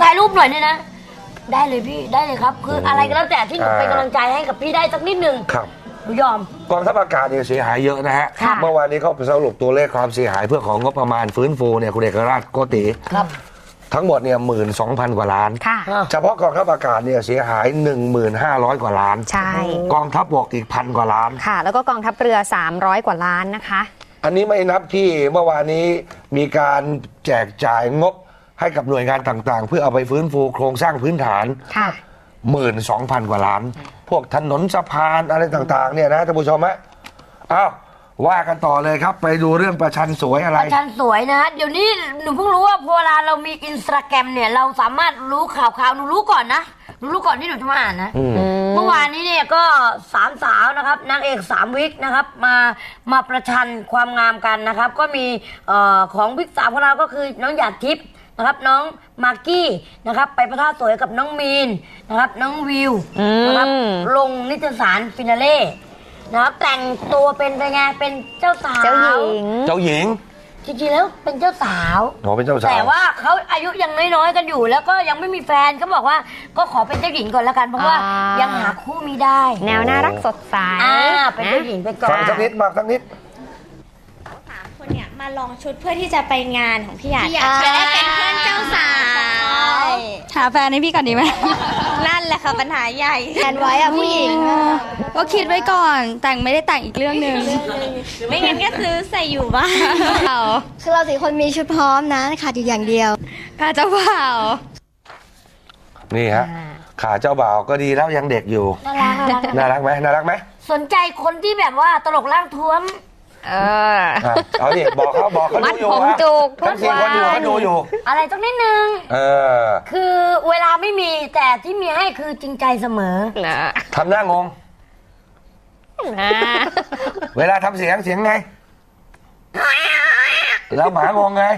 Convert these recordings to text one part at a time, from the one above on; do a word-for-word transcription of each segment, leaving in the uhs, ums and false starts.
ายรูปหน่อยเนี่ยนะได้เลยพี่ได้เลยครับคืออะไรก็แล้วแต่ที่หนูเป็นกำลังใจให้กับพี่ได้สักนิดนึงครับหนูยอมกองทัพอากาศเนี่ยเสียหายเยอะนะฮะเมื่อวานนี้เขาสรุปตัวเลขความเสียหายเพื่อของงบประมาณฟื้นฟูเนี่ยคุณเอกราชโกติครับทั้งหมดเนี่ยหมื่นสองพันกว่าล้านเฉพาะกองทัพอากาศเนี่ยเสียหายหนึ่งหมื่นห้าร้อยกว่าล้านใช่กองทัพบกอีกพันกว่าล้านค่ะแล้วก็กองทัพเรือสามร้อยกว่าล้านนะคะอันนี้ไม่นับที่เมื่อวานนี้มีการแจกจ่ายงบให้กับหน่วยงานต่างๆเพื่อเอาไปฟื้นฟูโครงสร้างพื้นฐานหมื่นสองพันกว่าล้านพวกถนนสะพานอะไรต่างๆเนี่ยนะท่านผู้ชมฮะอ้าวว่ากันต่อเลยครับไปดูเรื่องประชันสวยอะไรประชันสวยนะฮะเดี๋ยวนี้หนูเพิ่งรู้ว่าพอเวลาเรามีอินสตาแกรมเนี่ยเราสามารถรู้ข่าวข่าวหนูรู้ก่อนนะหนูรู้ก่อนที่หนูจะมาอ่านนะเมื่อวานนี้เนี่ยก็สามสาวนะครับนางเอกสามวิกนะครับมามาประชันความงามกันนะครับก็มีเอ่อของวิกสามของเราก็คือน้องหยาดทิพย์นะครับน้องมากกี้นะครับไปประท่าสวยกับน้องมีนนะครับน้องวิวนะครับลงนิตยสารฟินาเล่นะครับแต่งตัวเป็นไงเป็นเจ้าสาวเจ้าหญิงเจ้าหญิงจริงๆแล้วเป็นเจ้าสาวอ๋อเป็นเจ้าสาวแต่ว่าเขาอายุยังน้อยๆกันอยู่แล้วก็ยังไม่มีแฟนเขาบอกว่าก็ขอเป็นเจ้าหญิงก่อนแล้วกันเพราะว่ายังหาคู่ไม่ได้แนวน่ารักสดใสอ่าเป็นเจ้าหญิงไปก่อนฟังสักนิดมาสักนิดสามคนเนี่ยมาลองชุดเพื่อที่จะไปงานของพี่หยาดจะได้เป็นเพื่อนเจ้าสาวหาแฟนให้พี่ก่อนดีไหมนั่นแหละค่ะปัญหาใหญ่แฟนไว้อะผู้หญิงก็คิดไว้ก่อนแต่งไม่ได้แต่งอีกเรื่องหนึ่งไม่งั้นก็ซื้อใส่อยู่บ้านคือเราสี่คนมีชุดพร้อมนะขาดอยู่อย่างเดียวขาดเจ้าบ่าวนี่ฮะขาเจ้าบ่าวก็ดีแล้วยังเด็กอยู่น่ารักไหมน่ารักไหมสนใจคนที่แบบว่าตลกร่างท้วมเออเอาดิบอกเขาบอกเขาดูอยู่ว่าทั้งสี่คนอยู่เขาดูอยู่อะไรต้องนิดนึงเออคือเวลาไม่มีแต่ที่มีให้คือจริงใจเสมอทำหน้างงเวลาทำเสียงเสียงไงแล้วหมางงไง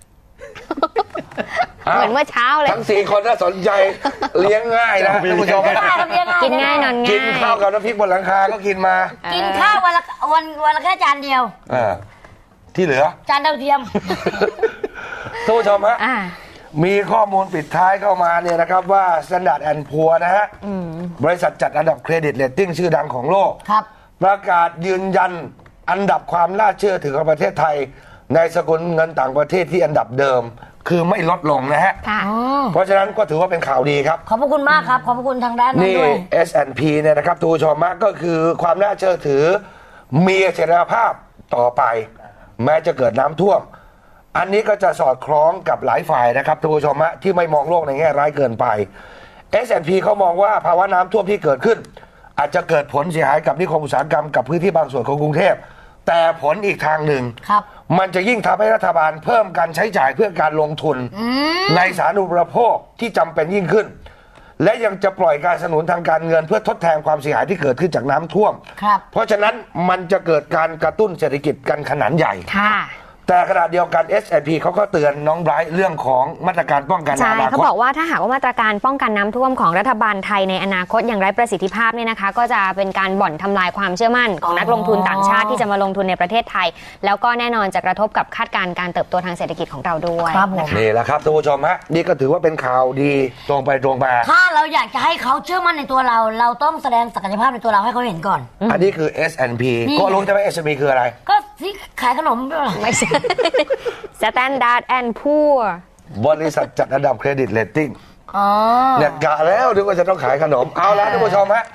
เหมือนเมื่อเช้าเลยทั้งสี่คนน่าสนใจเลี้ยงง่ายนะท่านผู้ชมกินง่ายนอนง่ายกินข้าวกับน้ำพริกบนหลังคาก็กินมากินข้าววันละวันวันละแค่จานเดียวที่เหลือจานดาวเทียมท่านผู้ชมฮะมีข้อมูลปิดท้ายเข้ามาเนี่ยนะครับว่า Standard แอนด์ พัวร์ นะฮะบริษัทจัดอันดับเครดิตเรตติ้งชื่อดังของโลกประกาศยืนยันอันดับความน่าเชื่อถือของประเทศไทยในสกุลเงินต่างประเทศที่อันดับเดิมคือไม่ลดลงนะฮะเพราะฉะนั้นก็ถือว่าเป็นข่าวดีครับขอบพระคุณมากครับขอบพระคุณทางด้านนั้นด้วยนี่ เอส แอนด์ พี เนี่ยนะครับทุกผู้ชมก็คือความน่าเชื่อถือมีเสถียรภาพต่อไปแม้จะเกิดน้ำท่วมอันนี้ก็จะสอดคล้องกับหลายฝ่ายนะครับทุกผู้ชมที่ไม่มองโลกในแง่ร้ายเกินไป เอส แอนด์ พี เขามองว่าภาวะน้ำท่วมที่เกิดขึ้นอาจจะเกิดผลเสียหายกับนิคมอุตสาหกรรมกับพื้นที่บางส่วนของกรุงเทพแต่ผลอีกทางหนึ่งมันจะยิ่งทำให้รัฐบาลเพิ่มการใช้จ่ายเพื่อการลงทุนในสาธารณูปโภคที่จำเป็นยิ่งขึ้นและยังจะปล่อยการสนับสนุนทางการเงินเพื่อทดแทนความเสียหายที่เกิดขึ้นจากน้ำท่วมเพราะฉะนั้นมันจะเกิดการกระตุ้นเศรษฐกิจกันขนาดใหญ่แต่ขณะเดียวกัน เอส แอนด์ พี เขาก็เตือนน้องไบรท์เรื่องของมาตรการป้องกันใช่เขาบอกว่าถ้าหากว่ามาตรการป้องกันน้ำท่วมของรัฐบาลไทยในอนาคตอย่างไร้ประสิทธิภาพเนี่ยนะคะก็จะเป็นการบ่อนทำลายความเชื่อมั่นของนักลงทุนต่างชาติที่จะมาลงทุนในประเทศไทยแล้วก็แน่นอนจะกระทบกับคาดการณ์การเติบโตทางเศรษฐกิจของเราด้วยนะคะนี่แหละครับท่านผู้ชมฮะนี่ก็ถือว่าเป็นข่าวดีตรงไปตรงมาถ้าเราอยากจะให้เขาเชื่อมั่นในตัวเราเราต้องแสดงศักยภาพในตัวเราให้เขาเห็นก่อนอันนี้คือ เอส แอนด์ พี ก็รู้ใช่ไหม เอส แอนด์ พี คืออะไรก็ที่ขายขนมด้วยหรอไม่ใช่ Standard แอนด์ พัวร์บริษัทจัดอันดับเครดิตเรตติ้งเนี่ยกะแล้วนึกว่าจะต้องขายขนมเอาละท่านผู้ชมฮะ